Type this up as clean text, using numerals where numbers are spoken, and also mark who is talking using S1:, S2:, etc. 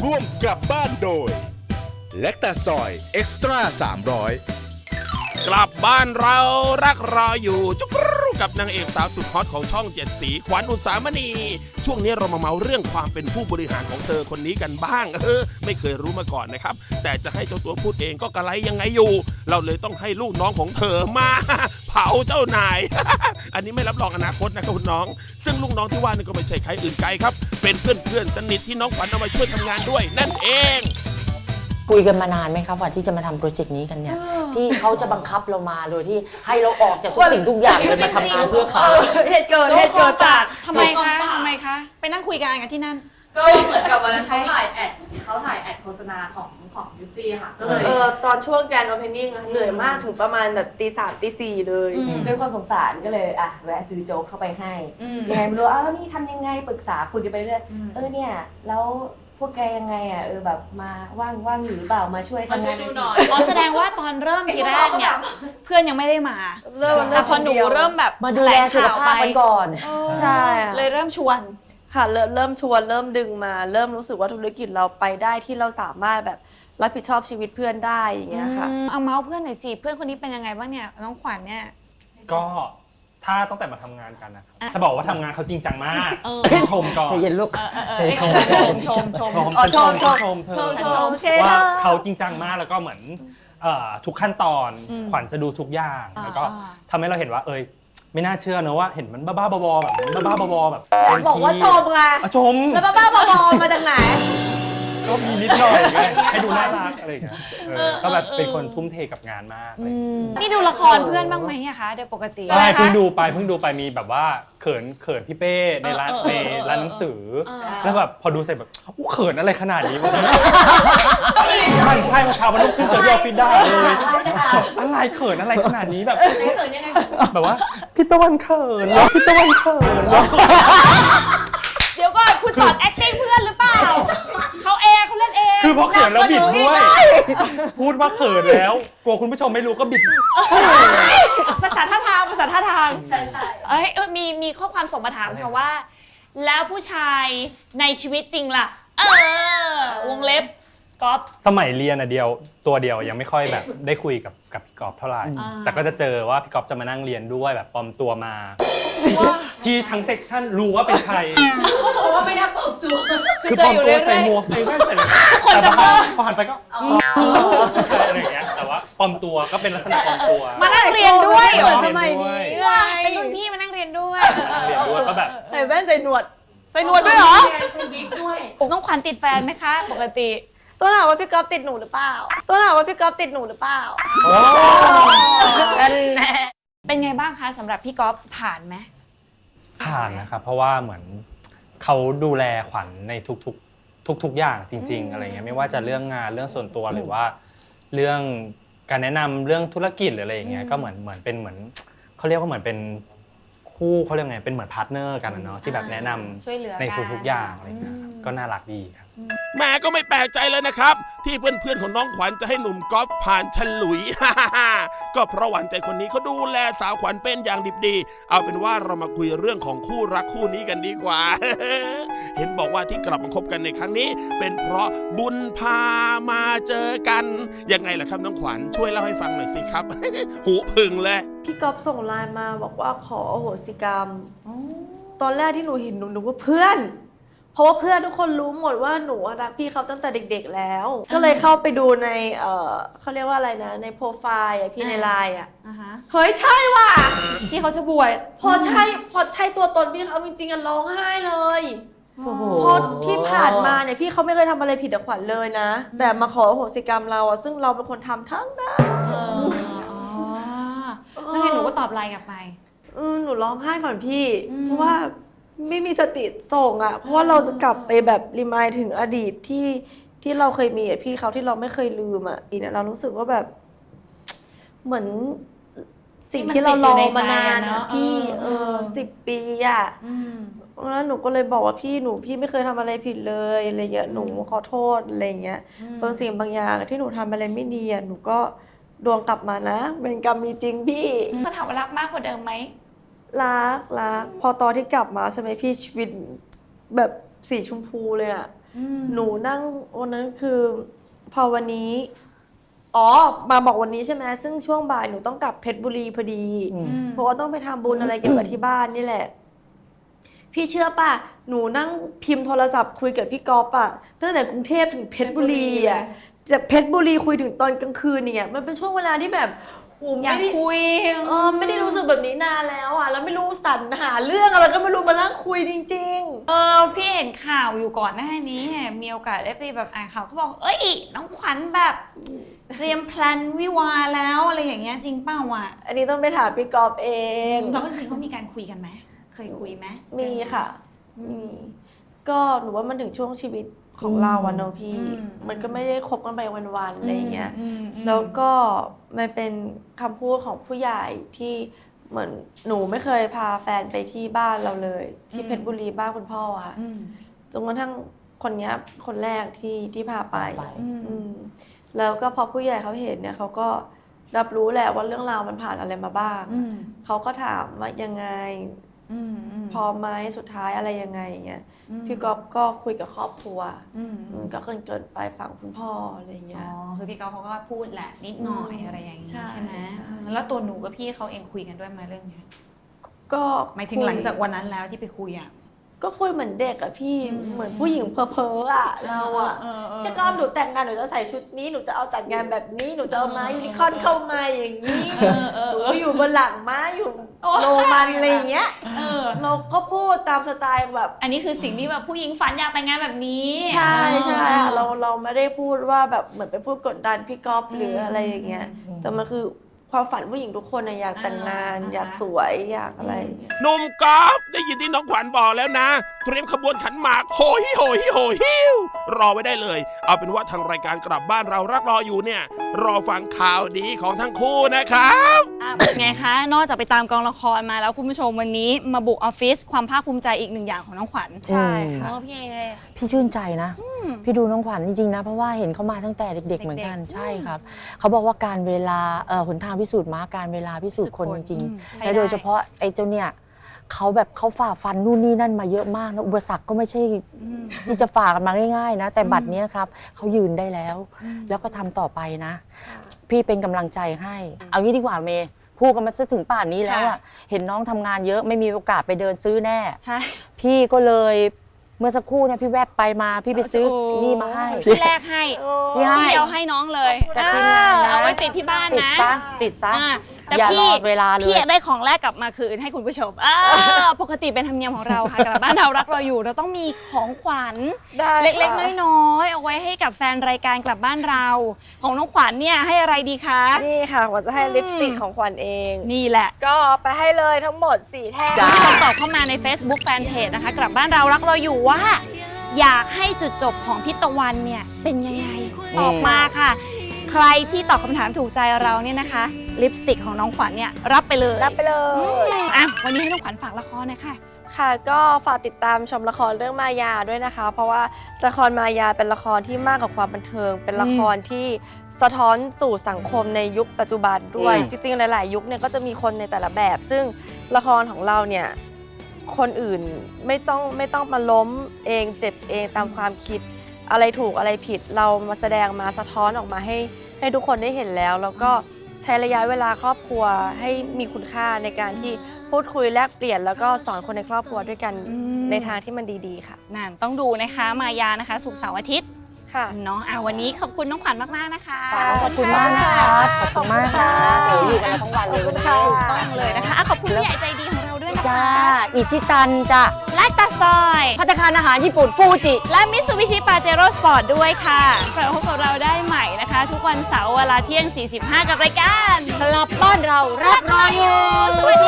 S1: ร่วมกลับบ้านโดยแลคตาซอยเอ็กซ์ตร้า300
S2: กลับบ้านเรารักรออยู่จุ๊กรูกับนางเอกสาวสุดฮอตของช่อง7สีขวัญอุสามณีช่วงนี้เรามาเมาเรื่องความเป็นผู้บริหารของเธอคนนี้กันบ้างไม่เคยรู้มาก่อนนะครับแต่จะให้เจ้าตัวพูดเองก็กระไรยังไงอยู่เราเลยต้องให้ลูกน้องของเธอมาเผาเจ้านาย อันนี้ไม่รับรองอนาคตนะครับคุณน้องซึ่งลูกน้องที่ว่านี่ก็ไม่ใช่ใครอื่นไกลครับเป็นเพื่อนสนิทที่น้องขวัญเอามาช่วยทำงานด้วยนั่นเอง
S3: คุยกันมานานไหมครับว่าที่จะมาทำโปรเจกต์นี้กันเนี่ยที่เขาจะบังคับเรามาโดยที่ให้เราออกจากทุกสิ่งทุกอย่างเลยมาทำงานเพื่อเขา
S4: เหตุเกิดจาก
S5: ทำไมคะไปนั่งคุยกันที่นั่น
S6: ก็เหมือนกับวันนั้นเขาถ่ายแอดโฆษณาของยูซี่ค่ะก็เลย
S4: ตอนช่วงแกรนด์โอเพนนิ่งเหนื่อยมากถึงประมาณแบบตี 3ตี 4เลย
S7: ด้วยความสงสารก็เลยแวะซื้อโจ๊กเข้าไปให้ยังไงไม่รู้แล้วนี่ทำยังไงปรึกษาคุยกันไปเรื่อยเนี่ยแล้วพวกแกยังไงแบบมาว่างอยู่หรือเปล่ามาช่วยทำงาน
S6: หน่อย
S5: แสดงว่าตอนเริ่มทีแรกเนี่ยเพื่อนยังไม่ได้มาแต่พอหนูเริ่มแบบ
S3: มาดูแลสุขภาพกันก่อน
S4: ใช่
S5: เลยเริ่มชวน
S4: ค่ะเริ่มชวนเริ่มดึงมาเริ่มรู้สึกว่าธุรกิจเราไปได้ที่เราสามารถแบบรับผิดชอบชีวิตเพื่อนได้อย่างเงี้ยค่ะ
S5: เอาเมาส์เพื่อนหน่อยสิเพื่อนคนนี้เป็นยังไงบ้างเนี่ยน้องขวัญเนี่ย
S8: ก็ถ้าตั้งแต่มาทำงานกันนะจะบอกว่าทำงานเขาจริงจังมากชมก่อน
S3: ใจเย็นลูก
S8: ชมเธอว่าเขาจริงจังมากแล้วก็เหมือนทุกขั้นตอนขวัญจะดูทุกอย่างแล้วก็ทำให้เราเห็นว่าไม่น่าเชื่อเนอะว่าเห็นมันบ้าๆบอๆแบบบ้าๆแบบ
S4: บอกว่าชมไง
S8: ชม
S4: แล้วบ้าๆบอๆมาจากไหน
S8: ก็มีนิดหน่อยให้ดูน่ารักอะไรอย่างเงี้ยก็แบบเป็นคนทุ่มเทกับงานมาก
S5: นี่ดูละครเพื่อนบ้างไหมอะคะโดยปกติ
S8: ใช่เพิ่งดูไปมีแบบว่าเขินพี่เป้ในร้านหนังสือแล้วแบบพอดูเสร็จแบบเขินอะไรขนาดนี้วะมันใช่มาเช้ามันต้องขึ้นเจอที่ออฟฟิศได้เลยอะไรเขินอะไรขนาดนี้แบบแบบว่าพี่ตะวันเขินแล้วพี่ตะวันเขิน
S5: เดี๋ยวก่อนคุณสอน acting เพื่อนหรือเปล่าเขาเล่นเอง
S8: คือพอเขินแล้วบิดด้วยพูดว่าเขินแล้วกลัวคุณผู้ชมไม่รู้ก็บิด
S5: ภาษาท่าทางใช่มีข้อความส่งมาถามค่ะว่าแล้วผู้ชายในชีวิตจริงล่ะวงเล็บก๊อฟ
S8: สมัยเรียนตัวเดียวยังไม่ค่อยแบบได้คุยกับพี่ก๊อฟเท่าไหร่แต่ก็จะเจอว่าพี่ก๊อฟจะมานั่งเรียนด้วยแบบปลอมตัวมาที่ทั้งเซกชันรู้ว่าเป็นใคร
S6: เพราะว่าไม่ได้ปลอมตัว
S8: คือปลอมตัวใส่หมวกใส่แว่นใส่แต่พอหันไปก็อะไรอย่างเงี้ยแต่ว่าปลอมตัวก็เป็นลักษณะปลอมตัว
S5: มานั่งเรียนด้วย
S4: เหมือนสมัยนี้
S5: เป็นรุ่นพี่มานั่งเรียนด้วย
S8: ก็แบบ
S4: ใส่แว่นใส่หนวด
S5: ด้วยเหรอ
S6: ใส่วิกด้วย
S5: น้องขวัญติดแฟนไหมคะปกติ
S4: ตัวถามว่าพี่ก๊อฟติดหนูหรือเปล่า
S5: เป็นไงบ้างคะสำหรับพี่ก๊อฟผ่านไหม
S8: ผ่านนะครับเพราะว่าเหมือนเขาดูแลขวัญในทุกอย่างจริงๆอะไรเงี้ยไม่ว่าจะเรื่องงานเรื่องส่วนตัวหรือว่าเรื่องการแนะนำเรื่องธุรกิจหรืออะไรอย่างเงี้ยก็เหมือนเป็นเหมือนเขาเรียกว่าเหมือนเป็นคู่เขาเรียกไงเป็นเหมือนพาร์ทเนอร์กันเนาะที่แบบแนะนำในทุกๆอย่างอะไรเงี้ยก็น่ารักดีครับ
S2: แม่ก็ไม่แปลกใจเลยนะครับที่เพื่อนๆของน้องขวัญจะให้หนุ่มก๊อฟผ่านฉลุย ก็เพราะหวานใจคนนี้เขาดูแลสาวขวัญเป็นอย่างดิบดีเอาเป็นว่าเรามาคุยเรื่องของคู่รักคู่นี้กันดีกว่า เห็นบอกว่าที่กลับมาคบกันในครั้งนี้เป็นเพราะบุญพามาเจอกันยังไงล่ะครับน้องขวัญช่วยเล่าให้ฟังหน่อยสิครับ หูพึ่งเลย
S4: พี่ก๊อฟส่งไลน์มาบอกว่าขออโหสิกรรมตอนแรกที่หนูเห็นหนูว่าเพื่อนเพราะว่าเพื่อนทุกคนรู้หมดว่าหนูรักพี่เขาตั้งแต่เด็กๆแล้วก็เลยเข้าไปดูในเขาเรียกว่าอะไรนะในโปรไฟล์พี่ในไลน์เฮ้ยใช่ว่ะ
S5: พี่เขาจะบวช
S4: พอใช่ตัวตนพี่เขาจริงๆร้องไห้เลยเพราะที่ผ่านมาเนี่ยพี่เขาไม่เคยทำอะไรผิดกับขวัญเลยนะแต่มาขออโหสิกรรมเราซึ่งเราเป็นคนทำทั้งนั้น
S5: แล้วไงหนูก็ตอบไลน์กลับไป
S4: หนูร้องไห้ก่อนพี่เพราะว่าไม่มีสติส่งเพราะว่าเราจะกลับไปแบบรีมายถึงอดีตที่เราเคยมีกับพี่เขาที่เราไม่เคยลืมทีเนี่ยเรารู้สึกว่าแบบเหมือนสิ่งที่เรารอมานานพี่10 ปีแล้วหนูก็เลยบอกว่าพี่ไม่เคยทำอะไรผิดเลยอะไรเงี้ยหนูขอโทษอะไรเงี้ยบางสิ่งบางอย่างที่หนูทำอะไรไม่ดีหนูก็ดวงกลับมานะเป็นกรรมมีจริงพี่
S5: จะถามว่ารักมากกว่าเดิมไหม
S4: รักพอตอนที่กลับมาใช่ไหมพี่ชีวิตแบบสีชมพูเลยหนูนั่งวันนั้นคือพอวันนี้มาบอกวันนี้ใช่ไหมซึ่งช่วงบ่ายหนูต้องกลับเพชรบุรีพอดีเพราะว่าต้องไปทำบุญอะไรเกี่ยวกับที่บ้านนี่แหละพี่เชื่อป่ะหนูนั่งพิมพ์โทรศัพท์คุยกับพี่ก๊อฟอะตั้งแต่กรุงเทพถึงเพชรบุรีอะจากเพชรบุรีคุยถึงตอนกลางคืนเนี่ยมันเป็นช่วงเวลาที่แบบ
S5: อยากคุย
S4: ไม่ได้รู้สึกแบบนี้นานแล้วอ่ะแล้วไม่รู้สรรหาเรื่องอะไรก็ไม่รู้มานั่งคุยจริง
S5: ๆพี่เห็นข่าวอยู่ก่อนหน้านี้มีโอกาสได้ไปแบบอ่านข่าวเขาบอกเอ้ยน้องขวัญแบบเตรียมแพลนวิวาแล้วอะไรอย่างเงี้ยจริงเปล่าอ่ะ
S4: อันนี้ต้องไปถามพี่กอล์ฟเอง
S5: แล้วจริงๆเขามีการคุยกันไหมเคยคุยไหม
S4: มีค่ะมีก็หนูว่ามันถึงช่วงชีวิตของเราอะเนาะพี่มันก็ไม่ได้คบกันไปวันๆอะไรเงี้ยแล้วก็มันเป็นคำพูดของผู้ใหญ่ที่เหมือนหนูไม่เคยพาแฟนไปที่บ้านเราเลยที่เพชรบุรีบ้านคุณพ่ออะจนกระทั่งคนนี้คนแรกที่พาไปแล้วก็พอผู้ใหญ่เขาเห็นเนี่ยเขาก็รับรู้แหละว่าเรื่องราวมันผ่านอะไรมาบ้างเขาก็ถามว่ายังไงพอไหมสุดท้ายอะไรยังไงเงี้ยพี่ก๊อฟก็คุยกับครอบครัวก็เกินไปฝั่งคุณพ่ออะไรเงี้ย
S5: คือพี่ก๊อฟเขาก็พูดแหละนิดหน่อยอะไรอย่างนี้ใช่ไหมแล้วตัวหนูกับพี่เขาเองคุยกันด้วยไหมเรื่องนี้
S4: ก็
S5: หมายถึงหลังจากวันนั้นแล้วที่ไปคุยอ่ะ
S4: ก็คุยเหมือนเด็กอะพี่เหมือนผู้หญิงเพ้อๆอะเราอะพี่ก๊อฟหนูแต่งงานหนูจะใส่ชุดนี้หนูจะเอาจัดงานแบบนี้หนูจะเอาม้ายูนิคอร์นเข้ามาอย่างนี้หนูอยู่บนหลังม้าอยู่โรมันอะไรอย่างเงี้ยเราก็พูดตามสไตล์แบบ
S5: อันนี้คือสิ่งที่แบบผู้หญิงฝันอยากแต่งงานแบบนี้
S4: ใช่ใช่เราไม่ได้พูดว่าแบบเหมือนไปพูดกดดันพี่ก๊อฟหรืออะไรอย่างเงี้ยแต่มันคือความฝันผู้หญิงทุกคนอยากแต่งงานอยากสวยอยากอะไร
S2: หนุ่มกอล์ฟได้ยินที่น้องขวัญบอกแล้วนะเตรียมขบวนขันหมากโหยฮิวรอไว้ได้เลยเอาเป็นว่าทางรายการกลับบ้านเรารักรออยู่เนี่ยรอฟังข่าวดีของทั้งคู่นะครับ
S5: เป็นไงคะนอกจากไปตามกองละครมาแล้วคุณผู้ชมวันนี้มาบุกออฟฟิศความภาคภูมิใจอีกหนึ่งอย่างของน้องขวัญ
S3: ใช่ค่ะพี่ชื่นใจนะพี่ดูน้องขวัญจริงๆนะเพราะว่าเห็นเขามาตั้งแต่เด็กๆเหมือนกันใช่ครับเขาบอกว่าการเวลาหนทางพิสูจน์ม้าการเวลาพิสูจน์คนจริงๆและโดยเฉพาะไอ้เจ้าเนี่ยเขาฝ่าฟันนู่นนี่นั่นมาเยอะมากนะอุปสรรคก็ไม่ใช่ที่จะฝ่ากันมาง่ายๆนะแต่บัดนี้ครับเขายืนได้แล้วแล้วก็ทำต่อไปนะพี่เป็นกำลังใจให้เอางี้ดีกว่าเมย์พูดกันมาถึงป่านนี้แล้วอะเห็นน้องทำงานเยอะไม่มีโอกาสไปเดินซื้อแน่
S5: ใช่
S3: พี่ก็เลยเมื่อสักครู่เนี่ยพี่แวบไปมาพี่ไปซื้อนี่มาให้
S5: พี่แรกให้พี่เอาให้น้องเลยเอาไว้ติดที่บ้านนะ
S3: ติดซะ
S5: แต่พี่อยากได้ของแรกกลับมาคืนให้คุณผู้ชมปกติเป็นธรรมเนียมของเราค่ะกลับบ้านเรารักเราอยู่เราต้องมีของขวัญเล็กๆน้อยๆเอาไว้ให้กับแฟนรายการกลับบ้านเราของน้องขวัญเนี่ยให้อะไรดีคะ
S4: นี่ค่ะขวัญจะให้ลิปสติกของขวัญเอง
S5: นี่แหละ
S4: ก็ไปให้เลยทั้งหมด4แท่ง
S5: ตอบเข้ามาใน Facebook Fanpage นะคะกลับบ้านเรารักเราอยู่ว่าอยากให้จุดจบของพี่ตะวันเนี่ยเป็นยังไงตอบมาค่ะใครที่ตอบคำถามถูกใจเราเนี่ยนะคะลิปสติกของน้องขวัญเนี่ยรับไปเลยวันนี้ให้น้องขวัญฝากละครหน่อยค่ะ
S4: ค่ะก็ฝากติดตามชมละครเรื่องมายาด้วยนะคะเพราะว่าละครมายาเป็นละครที่มากกว่าความบันเทิงเป็นละครที่สะท้อนสู่สังคมในยุคปัจจุบันด้วยจริงๆหลายๆยุคเนี่ยก็จะมีคนในแต่ละแบบซึ่งละครของเราเนี่ยคนอื่นไม่ต้องมาล้มเองเจ็บเองตามความคิดอะไรถูกอะไรผิดเรามาแสดงมาสะท้อนออกมาให้ทุกคนได้เห็นแล้วก็ใช้ระยะเวลาครอบครัวให้มีคุณค่าในการที่พูดคุยแลกเปลี่ยนแล้วก็สอนคนในครอบครัวด้วยกันในทางที่มันดีๆค่ะ
S5: นั่นต้องดูนะคะมายานะคะศุกร์เสาร์อาทิตย์เนาะวันนี้ขอบคุณน้องขวัญมากๆนะคะ
S3: ขอบคุณมากครับขอบคุณมากค่ะเดี๋ยวอยู่กันทั้งวันเลยวันนี้
S5: ถูกต้องเลยนะคะขอบคุณผู้ใหญ่ใจดีของเราด้วยนะคะ
S3: จ้าอิชิตันจ้ะ
S5: ไลตาซอย
S3: ภัตตาคารอาหารญี่ปุ่นฟูจิ
S5: และมิตซูบิชิปาเจโร่สปอร์ตด้วยค่ะกลับมาพบกับเราได้ใหม่นะคะทุกวันเสาร์เวลาเที่ยง 45กับรายการ
S3: กลับบ้านเรารักรออยู่